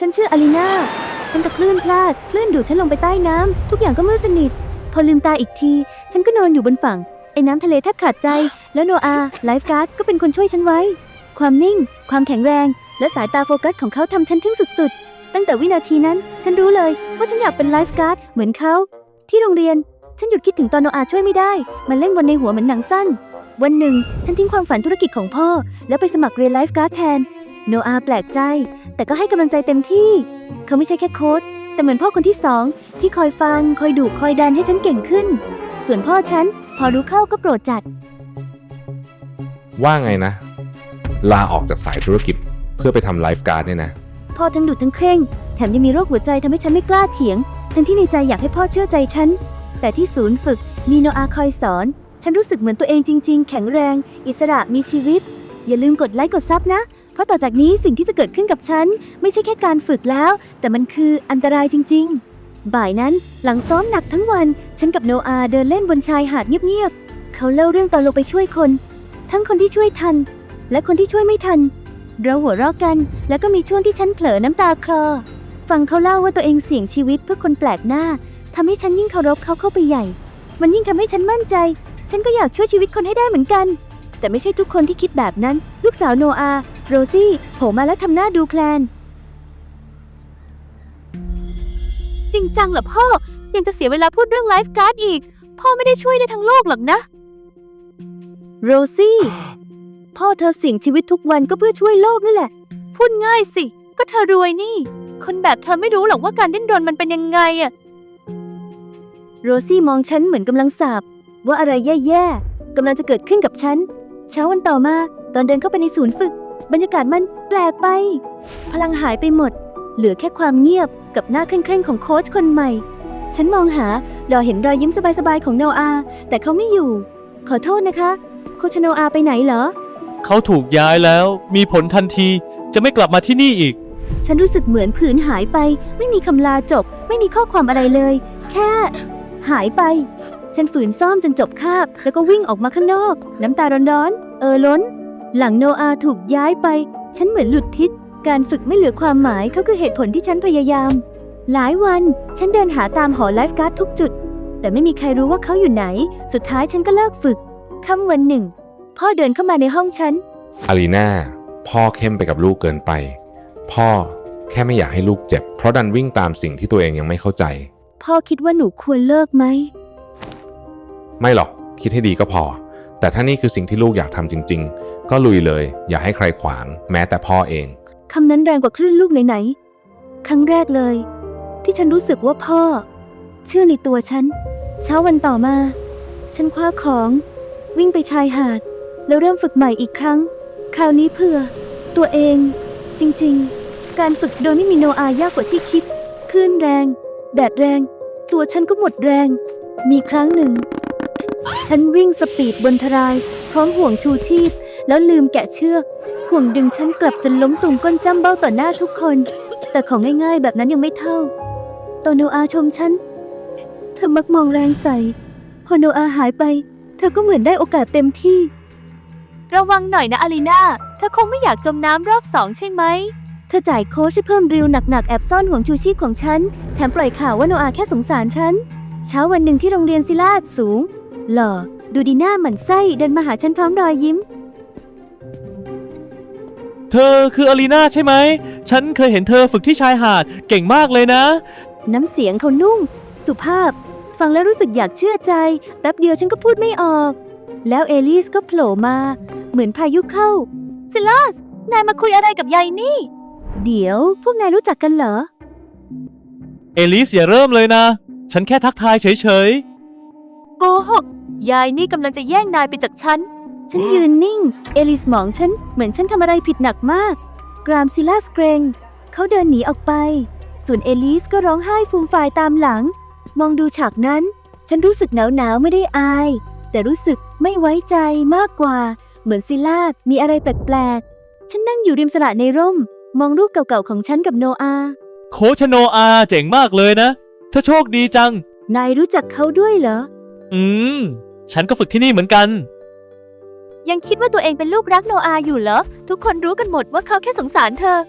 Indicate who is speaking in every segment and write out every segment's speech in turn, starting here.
Speaker 1: ฉันชื่ออารีนาฉันตะคลื่นพลาดคลื่นดูดฉันลงไปใต้น้ำทุกอย่างก็มืดสนิทพอลืมตาอีกทีฉันก็นอนอยู่บนฝั่งไอ้น้ำทะเลแทบขาดใจแล้วโนอาไลฟ์การ์ดก็เป็นคนช่วยฉันไว้ความนิ่งความแข็งแรงและสายตาโฟกัสของเขาทำฉันทึ่งสุดๆตั้งแต่วินาทีนั้นฉันรู้เลยว่าฉันอยากเป็นไลฟ์การ์ดเหมือนเขาที่โรงเรียนฉันหยุดคิดถึงตอนโนอาช่วยไม่ได้มันเล่นวนในหัวเหมือนหนังสั้นวันหนึ่งฉันทิ้งความฝันธุรกิจของพ่อแล้วไปสมัครเรียนไลฟ์การ์ดแทนโนอาแปลกใจแต่ก็ให้กำลังใจเต็มที่เขาไม่ใช่แค่โค้ชแต่เหมือนพ่อคนที่สองที่คอยฟังคอยดุคอยดันให้ฉันเก่งขึ้นส่วนพ่อฉันพอรู้เข้าก็โกรธจัด
Speaker 2: ว่าไงนะลาออกจากสายธุรกิจเพื่อไปทำไลฟ์การ์ดเนี่ยนะ
Speaker 1: พ่อทั้งดุทั้งเคร่งแถมยังมีโรคหัวใจทำให้ฉันไม่กล้าเถียงทั้งที่ในใจอยากให้พ่อเชื่อใจฉันแต่ที่ศูนย์ฝึกมีโนอาคอยสอนฉันรู้สึกเหมือนตัวเองจริงๆแข็งแรงอิสระมีชีวิตอย่าลืมกดไลค์กดซับนะเพราะต่อจากนี้สิ่งที่จะเกิดขึ้นกับฉันไม่ใช่แค่การฝึกแล้วแต่มันคืออันตรายจริงๆบ่ายนั้นหลังซ้อมหนักทั้งวันฉันกับโนอาเดินเล่นบนชายหาดเงียบๆเขาเล่าเรื่องตอนลงไปช่วยคนทั้งคนที่ช่วยทันและคนที่ช่วยไม่ทันเราหัวเราะกันแล้วก็มีช่วงที่ฉันเผลอน้ำตาคลอฟังเขาเล่าว่าตัวเองเสี่ยงชีวิตเพื่อคนแปลกหน้าทำให้ฉันยิ่งเคารพเขาเข้าไปใหญ่มันยิ่งทำให้ฉันมั่นใจฉันก็อยากช่วยชีวิตคนให้ได้เหมือนกันแต่ไม่ใช่ทุกคนที่คิดแบบนั้นลูกสาวโนอาโรซี่โผล่มาแล้วทำหน้าดูแคลน
Speaker 3: จริงจังเหรอพ่อยังจะเสียเวลาพูดเรื่องไลฟ์การ์ดอีกพ่อไม่ได้ช่วยได้ทั้งโลกหรอกนะ
Speaker 1: โรซี่พ่อเธอเสี่ยงชีวิตทุกวันก็เพื่อช่วยโลกนั่นแหละ
Speaker 3: พูดง่ายสิก็เธอรวยนี่คนแบบเธอไม่รู้หรอกว่าการดิ้นรนมันเป็นยังไงอะ
Speaker 1: โรซี่มองฉันเหมือนกำลังสาบว่าอะไรแย่ๆกำลังจะเกิดขึ้นกับฉันเช้าวันต่อมาตอนเดินเข้าไปในศูนย์ฝึกบรรยากาศมันแปลกไปพลังหายไปหมดเหลือแค่ความเงียบกับหน้าเคร่งๆของโค้ชคนใหม่ฉันมองหารอเห็นรอยยิ้มสบายๆของโนอาแต่เขาไม่อยู่ขอโทษนะคะโคชโนอาไปไหนเหรอ
Speaker 4: เขาถูกย้ายแล้วมีผลทันทีจะไม่กลับมาที่นี่อีก
Speaker 1: ฉันรู้สึกเหมือนผืนหายไปไม่มีคำลาจบไม่มีข้อความอะไรเลยแค่หายไปฉันฝืนซ่อมจนจบคาบแล้วก็วิ่งออกมาข้างนอกน้ำตาร้อนๆล้นหลังโนอาถูกย้ายไปฉันเหมือนหลุดทิศการฝึกไม่เหลือความหมายเขาคือเหตุผลที่ฉันพยายามหลายวันฉันเดินหาตามหอไลฟ์การ์ดทุกจุดแต่ไม่มีใครรู้ว่าเขาอยู่ไหนสุดท้ายฉันก็เลิกฝึกค่ำวันหนึ่งพ่อเดินเข้ามาในห้องฉัน
Speaker 2: อารีนาพ่อเข้มไปกับลูกเกินไปพ่อแค่ไม่อยากให้ลูกเจ็บเพราะดันวิ่งตามสิ่งที่ตัวเองยังไม่เข้าใจ
Speaker 1: พ่อคิดว่าหนูควรเลิกไหม
Speaker 2: ไม่หรอกคิดให้ดีก็พอแต่ถ้านี่คือสิ่งที่ลูกอยากทำจริงๆก็ลุยเลยอย่าให้ใครขวางแม้แต่พ่อเอง
Speaker 1: คำนั้นแรงกว่าคลื่นลูกไหนๆครั้งแรกเลยที่ฉันรู้สึกว่าพ่อเชื่อในตัวฉันเช้าวันต่อมาฉันคว้าของวิ่งไปชายหาดแล้วเริ่มฝึกใหม่อีกครั้งคราวนี้เพื่อตัวเองจริงๆการฝึกโดยไม่มีโนอายากกว่าที่คิดคลื่นแรงแดดแรงตัวฉันก็หมดแรงมีครั้งหนึ่งฉันวิ่งสปีดบนทรายพร้อมห่วงชูชีพแล้วลืมแกะเชือกห่วงดึงฉันกลับจนล้มตุ่มก้นจ้ำเบ้าต่อหน้าทุกคนแต่ของง่ายๆแบบนั้นยังไม่เท่าตอนโนอาชมฉันเธอมักมองแรงใส่พอโนอาหายไปเธอก็เหมือนได้โอกาสเต็มที่
Speaker 3: ระวังหน่อยนะอารีนาเธอคงไม่อยากจมน้ำรอบ2ใช่ไหม
Speaker 1: เธอจ่ายโค้ชให้เพิ่มริวหนักๆแอบซ่อนห่วงชูชีพของฉันแถมปล่อยข่าวว่าโนอาแค่สงสารฉันเช้าวันหนึ่งที่โรงเรียนศิลาสูงหล่อดูดีหน้าหมั่นไส้เดินมาหาฉันพร้อมรอยยิ้ม
Speaker 4: เธอคืออารีนาใช่ไหมฉันเคยเห็นเธอฝึกที่ชายหาดเก่งมากเลยนะ
Speaker 1: น้ำเสียงเขานุ่มสุภาพฟังแล้วรู้สึกอยากเชื่อใจแป๊บเดียวฉันก็พูดไม่ออกแล้วเอลิสก็โผล่มาเหมือนพายุเข้า
Speaker 3: ซิลัสนายมาคุยอะไรกับยายนี่
Speaker 1: เดี๋ยวพวกนายรู้จักกันเหรอ
Speaker 4: เอลิสอย่าเริ่มเลยนะฉันแค่ทักทายเฉย
Speaker 3: ๆโกหกยายนี่กำลังจะแย่งนายไปจากฉัน
Speaker 1: ยืนนิ่งเอลิสมองฉันเหมือนฉันทำอะไรผิดหนักมากกรามซิลัสเกรงเขาเดินหนีออกไปส่วนเอลิสก็ร้องไห้ฟูมฟายตามหลังมองดูฉากนั้นฉันรู้สึกหนาวไม่ได้อายแต่รู้สึกไม่ไว้ใจมากกว่าเหมือนซิลัสมีอะไรแปลกๆฉันนั่งอยู่ริมสระในร่มมองรูปเก่าๆของฉันกับโนอา
Speaker 4: โคชโนอาเจ๋งมากเลยนะเธอโชคดีจัง
Speaker 1: นายรู้จักเขาด้วยเหรอ
Speaker 4: ฉันก็ฝึกที่นี่เหมือนกัน
Speaker 3: ยังคิดว่าตัวเองเป็นลูกรักโนอาอยู่เหรอทุกคนรู้กันหมดว่าเขาแค่สงสารเธอ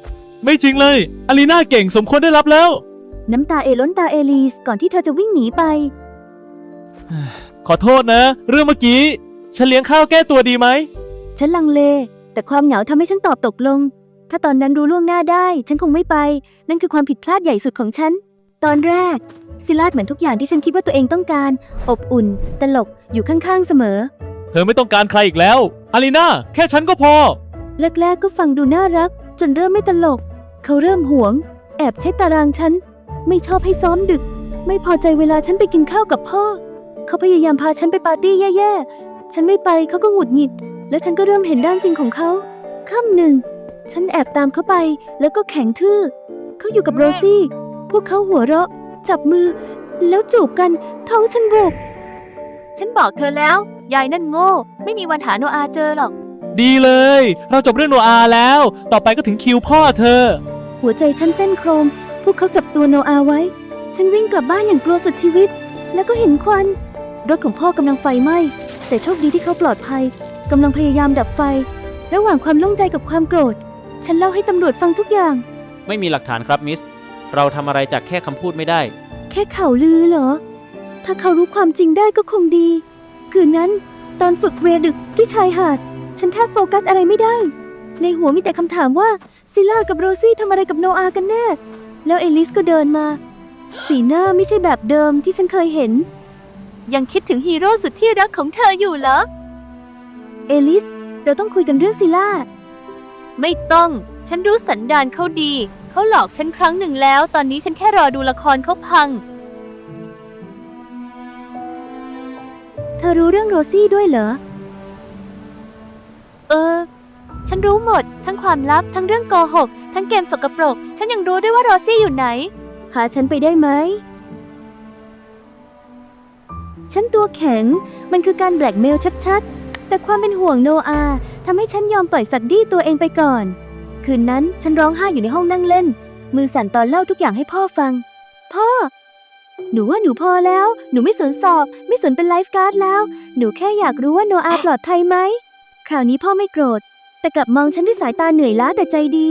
Speaker 4: ไม่จริงเลยอารีนาเก่งสมควรได้รับแล้ว
Speaker 1: น้ำตาล้นตาเอลิสก่อนที่เธอจะวิ่งหนีไป
Speaker 4: ขอโทษนะ เรื่องเมื่อกี้ ฉันเลี้ยงข้าวแก้ตัวดีไหม
Speaker 1: ฉันลังเล แต่ความเหงาทำให้ฉันตอบตกลง ถ้าตอนนั้นรู้ล่วงหน้าได้ ฉันคงไม่ไป นั่นคือความผิดพลาดใหญ่สุดของฉัน ตอนแรกซิลาดเหมือนทุกอย่างที่ฉันคิดว่าตัวเองต้องการ อบอุ่น ตลก อยู่ข้างๆเสมอ
Speaker 4: เธอไม่ต้องการใครอีกแล้วอารีนาแค่ฉันก็พอ
Speaker 1: แรกๆก็ฟังดูน่ารัก จนเริ่มไม่ตลก เขาเริ่มหวง แอบใช้ตารางฉัน ไม่ชอบให้ซ้อมดึก ไม่พอใจเวลาฉันไปกินข้าวกับพ่อ เขาพยายามพาฉันไปปาร์ตี้แย่ๆ ฉันไม่ไปเขาก็หงุดหงิด แล้วฉันก็เริ่มเห็นด้านจริงของเขาค่ำหนึ่ง ฉันแอบตามเขาไป แล้วก็แข็งทื่อ เขาอยู่กับโรซี่ พวกเขาหัวเราะ จับมือ แล้วจูบกัน ท้องฉันบุก
Speaker 3: ฉันบอกเธอแล้ว ยายนั่นโง่ ไม่มีวันหาโนอาเจอหรอก
Speaker 4: ดีเลย เราจบเรื่องโนอาแล้ว ต่อไปก็ถึงคิวพ่อเธอ
Speaker 1: หัวใจฉันเต้นโครม พวกเขาจับตัวโนอาไว้ ฉันวิ่งกลับบ้านอย่างกลัวสุดชีวิต แล้วก็เห็นควัน รถของพ่อกำลังไฟไหม้ แต่โชคดีที่เขาปลอดภัย กำลังพยายามดับไฟ ระหว่างความโล่งใจกับความโกรธ ฉันเล่าให้ตำรวจฟังทุกอย่าง
Speaker 5: ไม่มีหลักฐานครับมิส เราทำอะไรจากแค่คำพูดไม่ได้
Speaker 1: แค่ข่าวลือเหรอ ถ้าเขารู้ความจริงได้ก็คงดี คืนนั้นตอนฝึกเวรดึกที่ชายหาด ฉันแทบโฟกัสอะไรไม่ได้ ในหัวมีแต่คำถามว่าซิล่ากับโรซี่ทำอะไรกับโนอากันแน่ แล้วเอลิสก็เดินมา สีหน้าไม่ใช่แบบเดิมที่ฉันเคยเห็น
Speaker 3: ยังคิดถึงฮีโร่สุดที่รักของเธออยู่เหรอ
Speaker 1: เอลิส เราต้องคุยกันเรื่องซิล่า
Speaker 3: ไม่ต้อง ฉันรู้สันดานเขาดี เขาหลอกฉันครั้งหนึ่งแล้ว ตอนนี้ฉันแค่รอดูละครเขาพัง
Speaker 1: เธอรู้เรื่องโรซี่ด้วยเหรอ
Speaker 3: ฉันรู้หมด ทั้งความลับ ทั้งเรื่องโกหก ทั้งเกมสกปรก ฉันยังรู้ด้วยว่าโรซี่อยู่ไหน
Speaker 1: พาฉันไปได้ไหม ฉันตัวแข็ง มันคือการแบล็กเมลชัดๆ แต่ความเป็นห่วงโนอาทำให้ฉันยอมปล่อยสัตว์ดี้ตัวเองไปก่อน คืนนั้นฉันร้องไห้อยู่ในห้องนั่งเล่น มือสั่นตอนเล่าทุกอย่างให้พ่อฟัง พ่อ หนูว่าหนูพอแล้ว หนูไม่สนสอบ ไม่สนเป็นไลฟ์การ์ดแล้ว หนูแค่อยากรู้ว่าโนอาปลอดภัยไหม คราวนี้พ่อไม่โกรธ แต่กลับมองฉันด้วยสายตาเหนื่อยล้าแต่ใจดี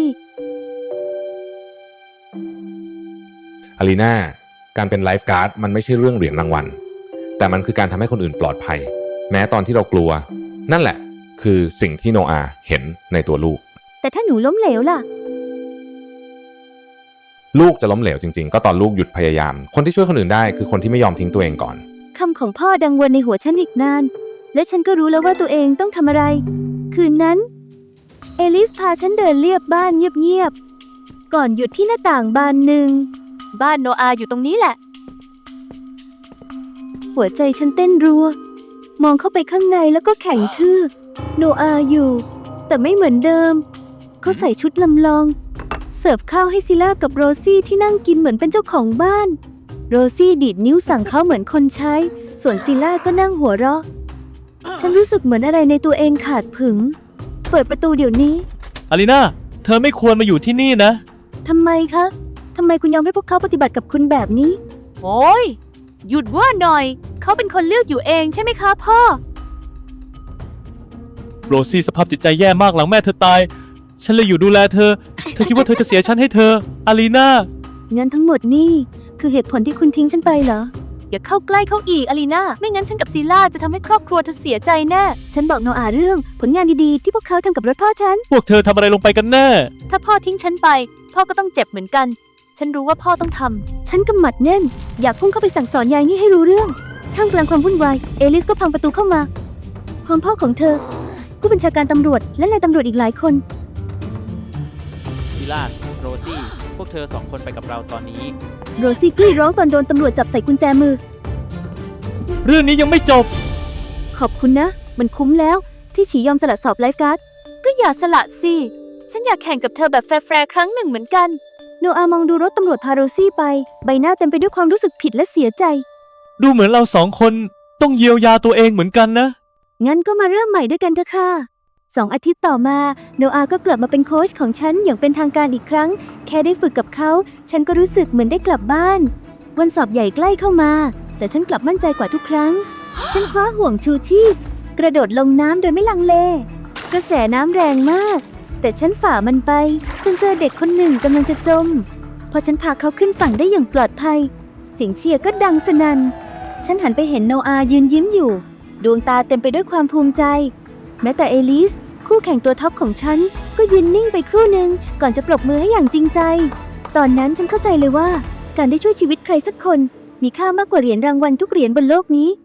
Speaker 2: อารีนาการเป็นไลฟ์การ์ดมันไม่ใช่เรื่องเหรียญรางวัล แต่มันคือการทำให้คนอื่นปลอดภัย แม้ตอนที่เรากลัว นั่นแหละคือสิ่งที่โนอาเห็นในตัวลูก
Speaker 1: แต่ถ้าหนูล้มเหลวล่ะ
Speaker 2: ลูกจะล้มเหลวจริงๆ ก็ตอนลูกหยุดพยายาม คนที่ช่วยคนอื่นได้คือคนที่ไม่ยอมทิ้งตัวเองก่อน
Speaker 1: คำของพ่อดังวนในหัวฉันอีกนาน และฉันก็รู้แล้วว่าตัวเองต้องทำอะไร คืนนั้น เอลิสพาฉันเดินเลียบบ้านเงียบๆ ก่อนหยุดที่หน้าต่างบานหนึ่ง
Speaker 3: บ้านโนอาอยู่ตรงนี้แหละ
Speaker 1: หัวใจฉันเต้นรัว มองเข้าไปข้างในแล้วก็แข็งทื่อ โนอาอยู่ แต่ไม่เหมือนเดิม เขาใส่ชุดลำลอง เสิร์ฟข้าวให้ซิล่ากับโรซี่ที่นั่งกินเหมือนเป็นเจ้าของบ้าน โรซี่ดีดนิ้วสั่งเขาเหมือนคนใช้ ส่วนซิล่าก็นั่งหัวเราะ ฉันรู้สึกเหมือนอะไรในตัวเองขาดผึง เปิดประตูเดี๋ยวนี้
Speaker 4: อารีนาเธอไม่ควรมาอยู่ที่นี่นะ
Speaker 1: ทำไมคะ ทำไมคุณยอมให้พวกเขาปฏิบัติกับคุณแบบนี้
Speaker 3: โอ้ย หยุดว่าหน่อย เขาเป็นคนเลือกอยู่เองใช่ไหมคะพ่อ
Speaker 4: โรซี่สภาพจิตใจแย่มากหลังแม่เธอตาย ฉันเลยอยู่ดูแลเธอ เธอคิดว่าเธอจะเสียฉันให้เธอ อารีนา
Speaker 1: งั้นทั้งหมดนี่คือเหตุผลที่คุณทิ้งฉันไปเหรอ
Speaker 3: อย่าเข้าใกล้เขาอีกอลีนาไม่งั้นฉันกับซีล่าจะทำให้ครอบครัวเธอเสียใจแน่
Speaker 1: ฉันบอกโนอาเรื่องผลงานดีๆ ที่พวกเขาทำกับรถพ่อฉัน
Speaker 4: พวกเธอทำอะไรลงไปกันแน่
Speaker 3: ถ้าพ่อทิ้งฉันไป พ่อก็ต้องเจ็บเหมือนกัน ฉันรู้ว่าพ่อต้องทำ
Speaker 1: ฉันกำหมัดแน่น อยากพุ่งเข้าไปสั่งสอนยายนี่ให้รู้เรื่องท่ามกลางความวุ่นวาย เอลิสก็พังประตูเข้ามาพร้อมพ่อของเธอ ผู้บัญชาการตำรวจและนายตำรวจอีกหลายคน
Speaker 5: ซิลาส โรซี่ พวกเธอสองคนไปกับเราตอนนี้
Speaker 1: โรซี่กรีดร้องตอนโดนตำรวจจับใส่กุญแจมือ
Speaker 4: เรื่องนี้ยังไม่จบ
Speaker 1: ขอบคุณนะ มันคุ้มแล้วที่ฉียอมสละสอบไลฟ์การ์ด
Speaker 3: ก็อย่าสละสิ ฉันอยากแข่งกับเธอแบบแฟร์ๆครั้งหนึ่งเหมือนกัน
Speaker 1: โนอามองดูรถตำรวจพาโรซี่ไป ใบหน้าเต็มไปด้วยความรู้สึกผิดและเสียใจ
Speaker 4: ดูเหมือนเราสองคนต้องเยียวยาตัวเองเหมือนกันนะ
Speaker 1: งั้นก็มาเริ่มใหม่ด้วยกันเถอะค่ะ 2 อาทิตย์ต่อมาโนอาก็กลับมาเป็นโค้ชของฉันอย่างเป็นทางการอีกครั้ง แค่ได้ฝึกกับเขา ฉันก็รู้สึกเหมือนได้กลับบ้าน วันสอบใหญ่ใกล้เข้ามา แต่ฉันกลับมั่นใจกว่าทุกครั้ง ฉันคว้าห่วงชูชีพกระโดดลงน้ำโดยไม่ลังเล กระแสน้ำแรงมากแต่ฉันฝ่ามันไปจนเจอเด็กคนหนึ่งกำลังจะจม พอฉันพาเขาขึ้นฝั่งได้อย่างปลอดภัยเสียงเชียร์ก็ดังสนั่นฉันหันไปเห็นโนอายืนยิ้มอยู่ดวงตาเต็มไปด้วยความภูมิใจแม้แต่เอลิสคู่แข่งตัวท็อปของฉันก็ยืนนิ่งไปครู่หนึ่งก่อนจะปรบมือให้อย่างจริงใจตอนนั้นฉันเข้าใจเลยว่าการได้ช่วยชีวิตใครสักคนมีค่ามากกว่าเหรียญรางวัลทุกเหรียญบนโลกนี้